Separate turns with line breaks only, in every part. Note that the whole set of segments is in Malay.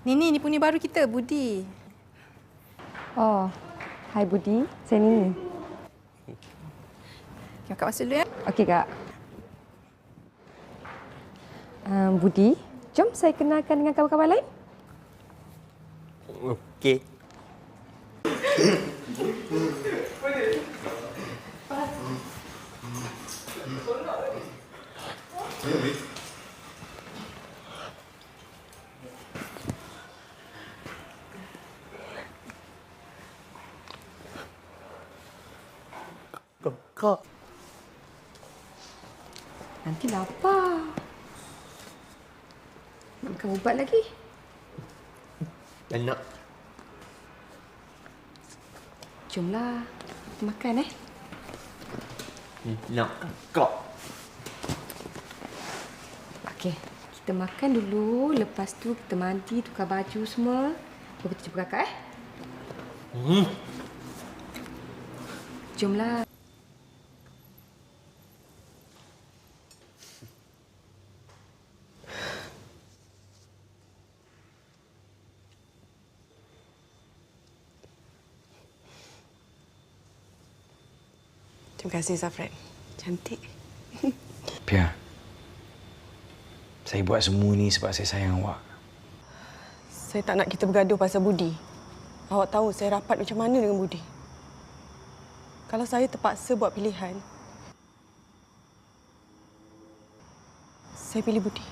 Ni punya baru kita, Budi.
Oh, hai Budi. Saya Nini.
Kakak masuk dulu ya.
Okey, Kak. Budi, jom saya kenalkan dengan kawan-kawan lain.
Okey. Kak.
Nanti lapar. Nak makan ubat lagi?
Tak nak.
Jomlah. Kita makan,
Nak, Kak.
Okey, kita makan dulu. Lepas tu kita mandi, tukar baju semua. Baru kita jumpa kakak, Jomlah.
Terima kasih, Zafran. Cantik.
Pia, saya buat semua ni sebab saya sayang awak.
Saya tak nak kita bergaduh pasal Budi. Awak tahu saya rapat macam mana dengan Budi. Kalau saya terpaksa buat pilihan, saya pilih Budi.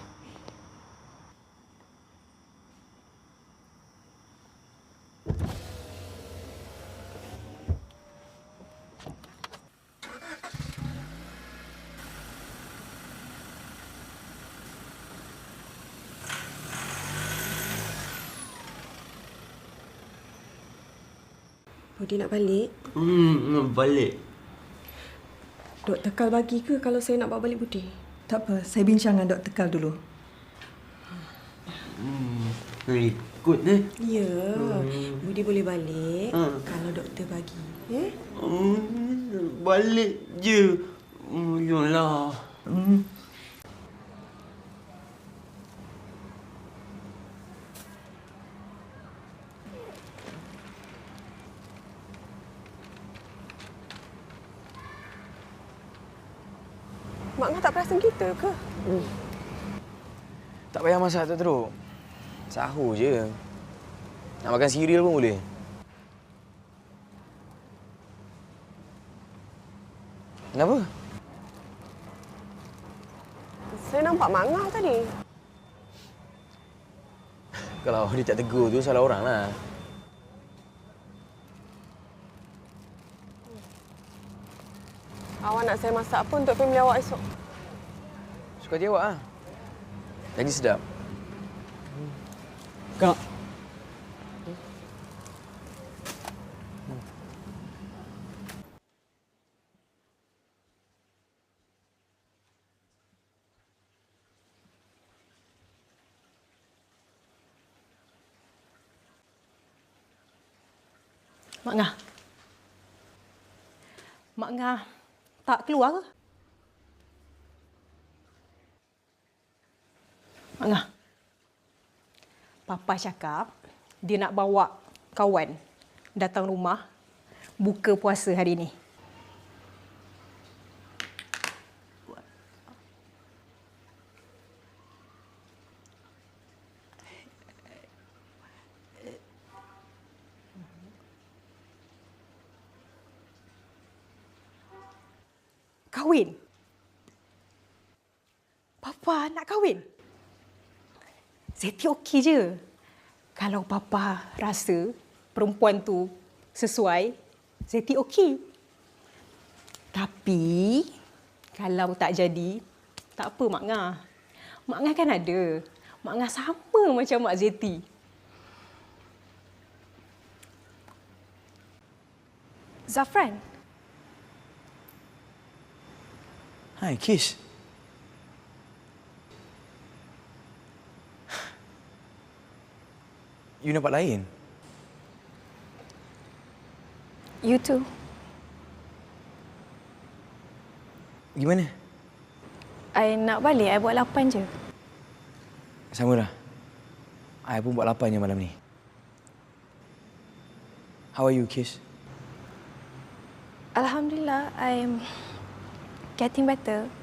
Budi nak balik?
Balik.
Dok Tekal bagi ke kalau saya nak bawa balik Budi?
Tak apa, saya bincang dengan Dr. Tekal dulu.
Ikut
Ya, Budi boleh balik kalau doktor bagi. Ya?
Balik je. Yolah.
Mak Ngah tak perasan kita ke?
Tak payah masak tak teruk. Sahur je. Nak makan cereal pun boleh. Kenapa?
Saya nampak Mak Ngah tadi.
Kalau dia tak tegur tu salah orang lah.
Awak nak saya masak apa untuk family awak esok?
Suka hati awak lah. Lagi sedap.
Kak.
Mak Ngah. Mak Ngah tak keluar ke? Mak Ngah. Papa cakap dia nak bawa kawan datang rumah buka puasa hari ni. Kahwin? Papa nak kahwin? Zeti okey je. Kalau Papa rasa perempuan tu sesuai, Zeti okey. Tapi, kalau tak jadi, tak apa Mak Ngah. Mak Ngah kan ada. Mak Ngah sama macam Mak Zeti. Zafran.
Hai, Kish. You nampak lain?
You too.
Gimana?
I nak balik. I buat 8 je.
Sama dah. I pun buat laparnya malam ni. How are you, Kish?
Alhamdulillah, I'm getting better.